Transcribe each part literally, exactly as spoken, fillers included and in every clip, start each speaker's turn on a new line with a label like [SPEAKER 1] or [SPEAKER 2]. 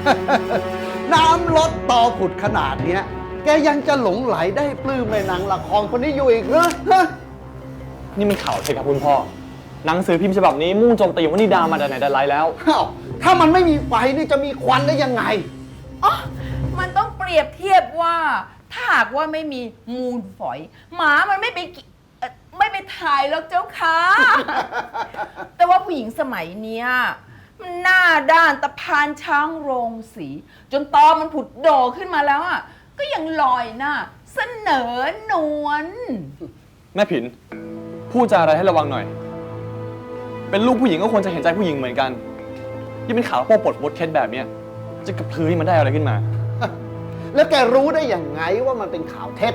[SPEAKER 1] น้ำลดตอผุดขนาดเนี้ยแกยังจะหลงไหลได้ปลื้มในนางละครคนนี้อยู่อีกเหรอฮะ
[SPEAKER 2] นี่มันข่าวเท็จครับคุณพ่อหนังสือพิมพ์ฉบับนี้มุ่งโจมตีวนิดามาแต่ไหนแต่ไรแล้ว
[SPEAKER 1] อ้าวถ้ามันไม่มีไฟนี่จะมีควันได้ยังไง
[SPEAKER 3] อ๋อมันต้องเปรียบเทียบว่าถ้าหากว่าไม่มีมูลฝอย หมามันไม่ไปไม่ไปถ่ายหรอกเจ้าค่ะ แต่ว่าผู้หญิงสมัยเนี้ยมันหน้าด้านตะพานช้างโรงสี จนตอมันผุดโดขึ้นมาแล้วอ่ะก็ยังลอยหน้าเสนอนวล
[SPEAKER 2] แม่ผินพูดจาอะไรให้ระวังหน่อยเป็นลูกผู้หญิงก็ควรจะเห็นใจผู้หญิงเหมือนกันที่เป็นข่าวโป๊ปลดมดเคสแบบเนี้ยจะกระพือให้มันได้อะไรขึ้นมา
[SPEAKER 1] แล้วแกรู้ได้อย่างไงว่ามันเป็นข่าวเท็จ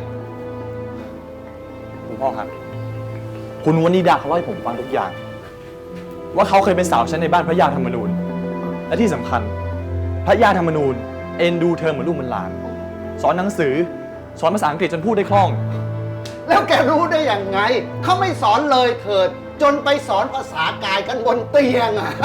[SPEAKER 2] คุณพ่อครับคุณวนิดาเขาเล่าให้ผมฟังทุกอย่างว่าเขาเคยเป็นสาวชั้นในบ้านพระยาธรรมนูญและที่สำคัญพระยาธรรมนูญเอ็นดูเธอเหมือนลูกเหมือนหลานสอนหนังสือสอนภาษาอังกฤษจนพูดได้คล่อง
[SPEAKER 1] แล้วแกรู้ได้อย่างไงเขาไม่สอนเลยเถิดจนไปสอนภาษากายกันบนเตียงอ่ะ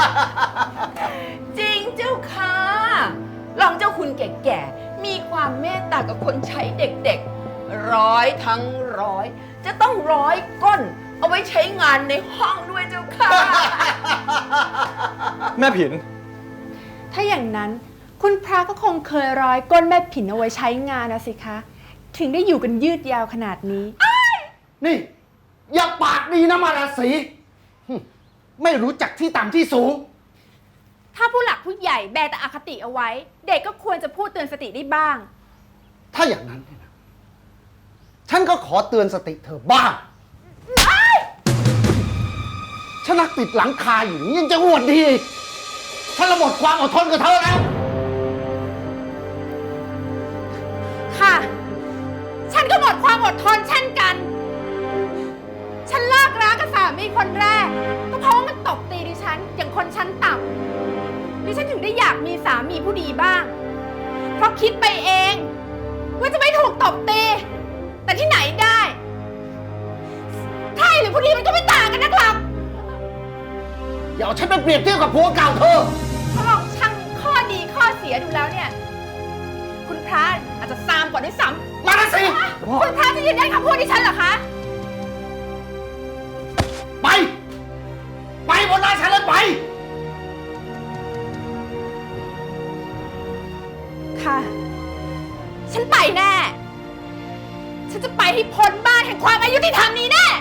[SPEAKER 3] จริงเจ้าค่ะลองเจ้าคุณแก่ๆมีความเมตตากับคนใช้เด็กๆร้อยทั้งร้อยจะต้องร้อยก้นเอาไว้ใช้งานในห้องด้วยเจ้าค่ะ
[SPEAKER 2] แม่ผิน
[SPEAKER 4] ถ้าอย่างนั้นคุณพระก็คงเคยร้อยก้นแม่ผินเอาไว้ใช้งานนะสิคะถึงได้อยู่กันยืดยาวขนาดนี้
[SPEAKER 1] นี่อย่าปากดีนะมาราศีไม่รู้จักที่ต่ำที่สูง
[SPEAKER 4] ถ้าผู้หลักผู้ใหญ่แบแต่อคติเอาไว้เด็กก็ควรจะพูดเตือนสติได้บ้าง
[SPEAKER 1] ถ้าอย่างนั้นฉันก็ขอเตือนสติเธอบ้างฉันนักติดหลังคาอยู่ยังจะอวดดีฉันละหมดความอดทนกับเธอแล้ว
[SPEAKER 4] ค่ะฉันก็หมดความอดทนเช่นกันฉันเลิกรักกับสามีคนแรกก็เพราะว่ามันตบตีดิฉันอย่างคนชั้นต่ำดิฉันถึงได้อยากมีสามีผู้ดีบ้างเพราะคิดไปเองว่าจะไม่ถูกตบตีแต่ที่ไหนได้ใช่หรือผู้ดีมันก็ไม่ต่างกันนะครับ
[SPEAKER 1] อย่าเอาฉันไปเปรียบเทียบกับผัวเก่าเธอ
[SPEAKER 4] ถ้าลองชั่งข้อดีข้อเสียดูแล้วเนี่ยคุณพระอาจจะซามกว่าด้วยซ้ำ
[SPEAKER 1] มาสิ
[SPEAKER 4] คุณพระจะยืนยันคำพูดดิฉันเหรอคะ
[SPEAKER 1] ไปไปบนหน้าฉันเลยไป
[SPEAKER 4] ค่ะฉันไปแน่ฉันจะไปให้พ้นบ้านแห่งความอายุติธรรมนี้แน่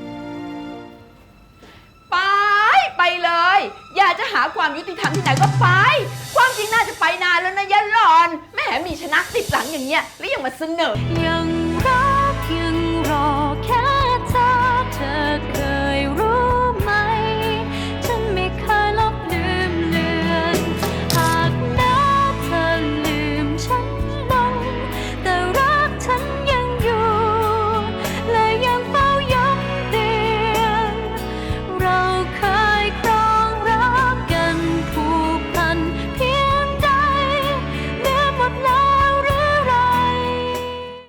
[SPEAKER 3] ไปไปเลยอยากจะหาความยุติธรรมที่ไหนก็ไปความจริงน่าจะไปนานแล้วนะยะหลอนแม่มีชนะติดหลังอย่างเงี้ยแล้วยังมาเสนอยัง